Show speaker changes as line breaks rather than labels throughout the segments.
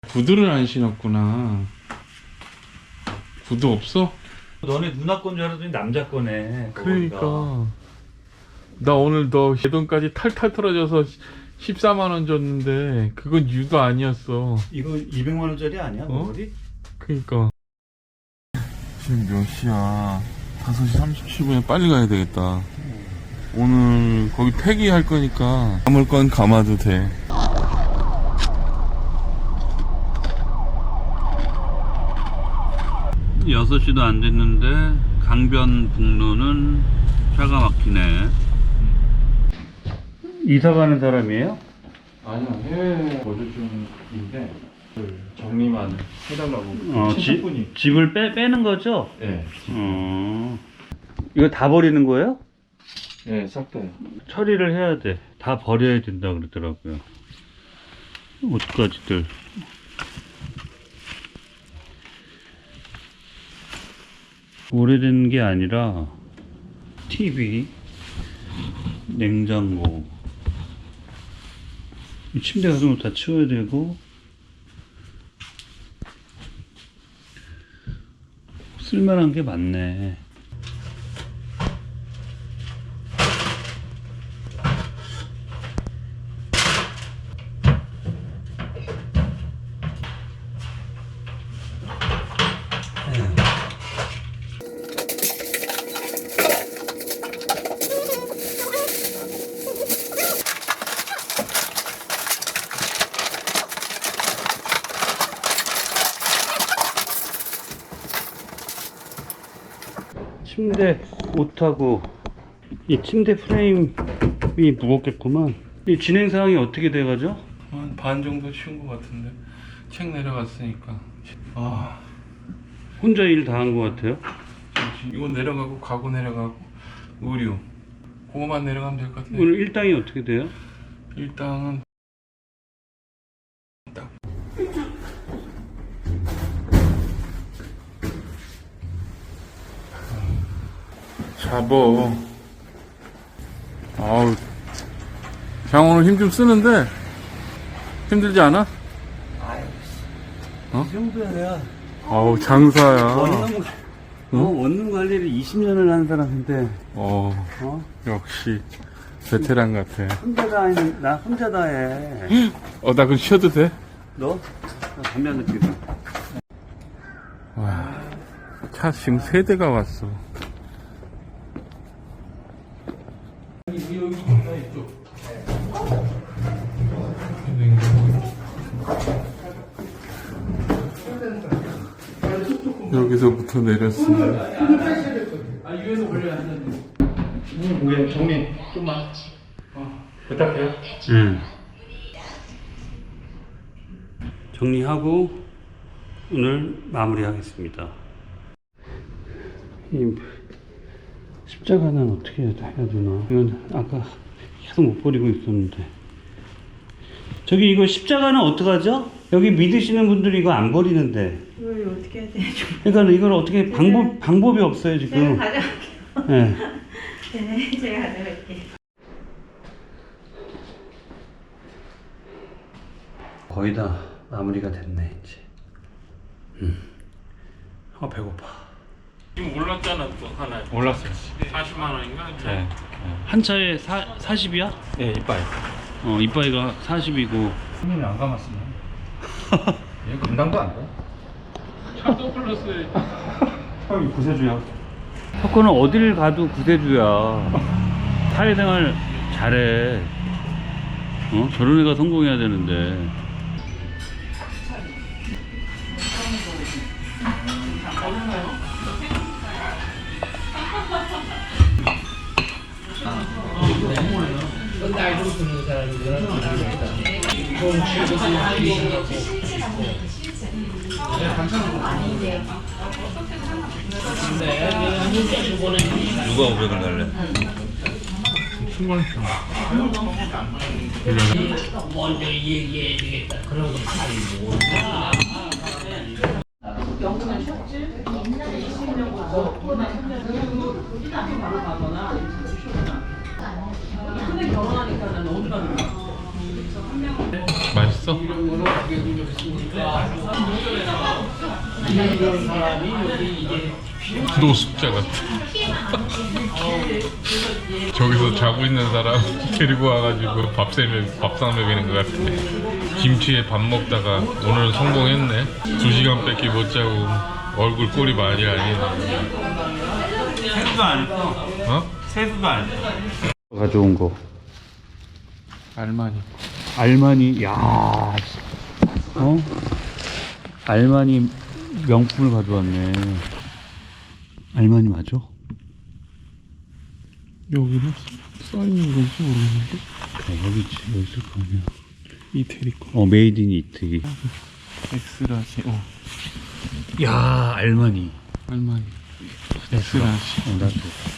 구두를 안 신었구나. 구두 없어?
너네 누나 건 줄 알았더니 남자 거네.
그러니까 나 오늘 너 예돈까지 탈탈 털어져서 14만 원 줬는데 그건 유도 아니었어.
이거 200만 원짜리 아니야? 머리?
그러니까 지금 몇 시야? 5시 37분에 빨리 가야 되겠다. 오늘 거기 폐기할 거니까 감을 건 감아도 돼.
6시도 안 됐는데 강변북로는 차가 막히네. 이사 가는 사람이에요?
아니요, 해외 거주 중인데 정리만 해달라고.
집을 빼는 거죠?
네.
이거 다 버리는 거예요?
네, 싹 다요.
처리를 해야 돼. 다 버려야 된다 그러더라고요. 옷가지들. 오래된 게 아니라 TV, 냉장고, 이 침대 같은 거 다 치워야 되고, 쓸만한 게 많네. 침대 옷하고 이 침대 프레임이 무겁겠구만. 이 진행 사항이 어떻게 돼가죠?
한 반 정도 치운 것 같은데 책 내려갔으니까. 아,
혼자 일 다 한 것 같아요.
이거 내려가고 가구 내려가고 의류 그거만 내려가면 될 것 같은데.
오늘 일당이 어떻게 돼요?
일당은 딱 잡어. 아우, 그냥 오늘 힘 좀 쓰는데 힘들지 않아? 어?
이 정도야.
아우, 장사야.
원룸 관리를 20년을 한 사람인데,
역시 베테랑 같아.
나 혼자다 해.
나 그럼 쉬어도 돼?
너? 나 담배 한 대 피우자.
와, 차 지금 3대가 왔어. 여기서부터 내렸습니다.
위에서 걸려야 한다니. 우리 정리 좀만 부탁해요.
정리하고 오늘 마무리하겠습니다. 이 십자가는 어떻게 해야 되나? 이건 아까 계속 못 버리고 있었는데. 저기 이거 십자가는 어떡하죠? 여기 믿으시는 분들이 이거 안 버리는데.
이걸 어떻게 해야 되죠?
그러니까 이걸 어떻게 방법이 없어요 지금.
제가 가져갈게요.
네.
네, 제가 가져갈게요.
거의 다 마무리가 됐네 이제. 배고파.
지금 올랐잖아, 또 하나.
올랐어요.
40만 원인가?
네. 한 차에 40이야?
네, 이빨.
이빠이가 40이고.
손님이 안 감았으면 얘 감당도 안 돼.
차도 플러스.
형이 구세주야. 석호는 어딜 가도 구세주야. 사회생활 잘해. 저런 애가 성공해야 되는데.
나이 좀 드는 사람들은 좀
누가 500을 달래?
신고했어.
먼저 얘기해 주겠다. 그런 거 잘 몰라. 영국은 쉬었지? 옛날에 20년부터 바로 가거나 근데 결혼하니까 난 너무 좋아하는 거야.
맛있어?
이런 거로 가게 해주려고 했으니까 이런 사람이 여기 이제
노숙자 같아. 저기서 자고 있는 사람 데리고 와가지고 밥상 먹이는 것 같아. 김치에 밥 먹다가 오늘은 성공했네. 2시간밖에 못 자고 얼굴 꼴이 많이 아니네.
세수도 안 했어.
어?
세수도 안 했어. 가져온 거.
알마니.
알마니, 야, 알마니 명품을 가져왔네. 알마니 맞아?
여기는 써있는 건지 모르겠는데.
여기 있을 거 아니야.
이태리 거.
메이드 인 이태리.
엑스라지.
야, 알마니.
알마니. 엑스라지.
나도.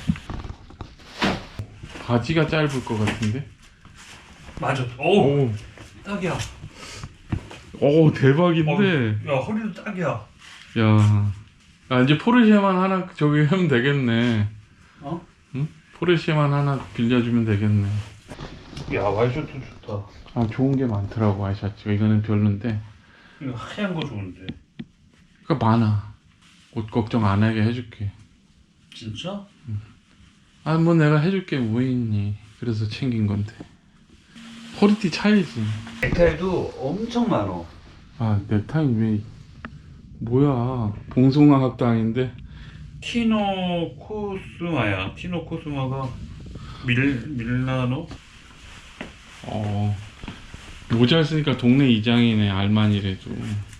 바지가 짧을 것 같은데.
맞아.
오.
딱이야.
오 대박인데.
야, 허리도 딱이야.
야. 아 이제 포르쉐만 하나 저기 하면 되겠네.
어?
응? 포르쉐만 하나 빌려주면 되겠네.
야, 와이셔츠 좋다.
아 좋은 게 많더라고 와이셔츠가. 이거는 별론데.
이거 하얀 거 좋은데.
그러니까 많아. 옷 걱정 안 하게 해줄게.
진짜?
아 뭐 내가 해줄게 뭐 있니. 그래서 챙긴 건데. 허리띠 차이지.
넥타이도 엄청 많어.
아 넥타이 왜 뭐야. 봉송아 학당인데.
티노 코스마야. 티노 코스마가 밀라노?
모자 쓰니까 동네 이장이네. 알마니래도.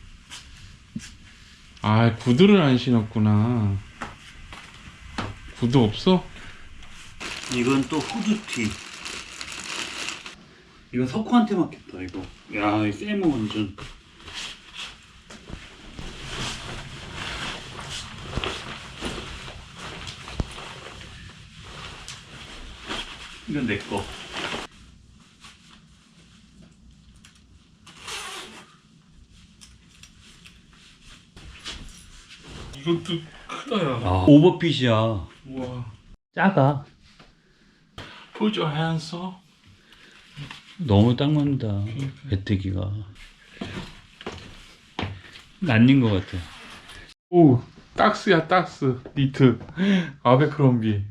아 구두를 안 신었구나. 구두 없어?
이건 또 후드티. 이건 석호한테 맞겠다 이거. 야, 이 세모 완전. 이건 내 거.
이것도 크다 야.
오버핏이야.
우와.
작아.
Put your hands up.
너무 딱 맞는다. 배뜨기가. 난린 것 같아.
오, 딱스야 딱스. 니트. 아베크롬비.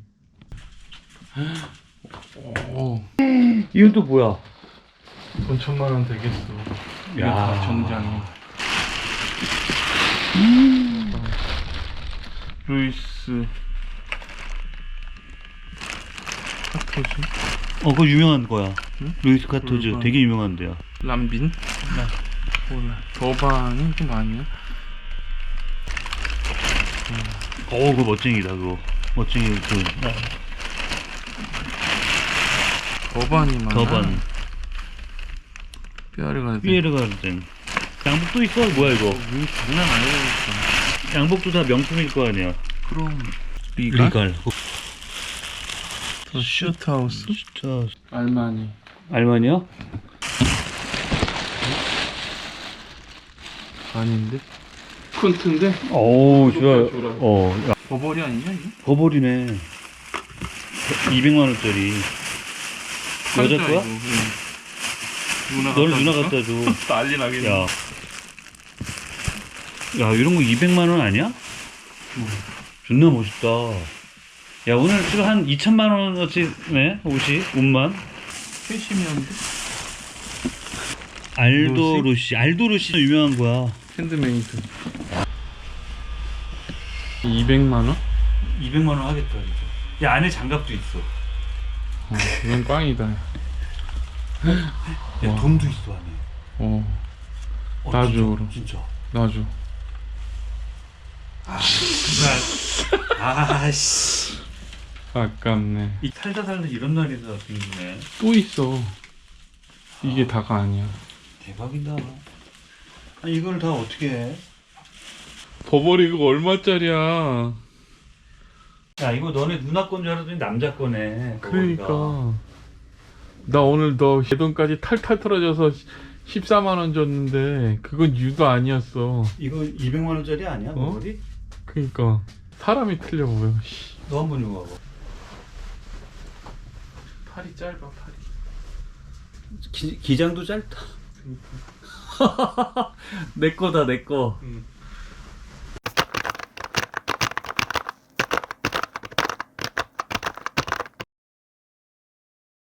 오,
이건 또 뭐야?
돈 1000만 원 되겠어. 이게
야.
다 정장이. 루이스. 카토즈.
그거 유명한 거야.
응?
루이스 카토즈.
그러니까.
되게 유명한 데야.
람빈? 몰라. 더반이 좀 아니야?
그거 멋쟁이다 그거. 멋쟁이 그
더반이 많아.
더반.
뼈아리가
피에르 가르덴. 양복도 있어. 뭐야 이거?
장난 아니야.
양복도 다 명품일 거 아니야.
그럼 리갈?
슈트하우스. 진짜.
알마니.
알마니야?
아닌데? 콘트인데?
오,
좋아.
야,
버버리 아니냐 이거?
버버리네. 200만 원짜리. 여자 거야? 너는 누나 갖다 줘.
난리 나겠네.
야, 이런 거 200만 원 아니야? 존나 멋있다. 야, 오늘 지금 한 2천만 원어치네, 옷이, 옷만.
캐시미어인데?
알도루시 유명한 거야.
핸드메이드. 200만 원?
200만 원 하겠다, 진짜. 야, 안에 장갑도 있어.
이건 꽝이다.
야,
와.
돈도 있어, 안에.
놔줘,
진짜,
그럼.
진짜.
놔줘.
아씨.
아깝네.
이 살다 이런 날이 다 생기네.
또 있어. 이게 다가 아니야.
대박이다. 아니, 이걸 다 어떻게 해?
버버리 그거 얼마짜리야?
야, 이거 너네 누나 건 줄 알았더니 남자 거네.
그러니까. 나 오늘 너 예돈까지 탈탈 털어져서 14만 원 줬는데 그건 유도 아니었어.
이거 200만 원짜리 아니야? 머리?
그러니까 사람이 틀려 보여.
너 한번 이거 봐봐.
팔이 짧아 팔이.
기장도 짧다. 내 거다, 내 거.
응.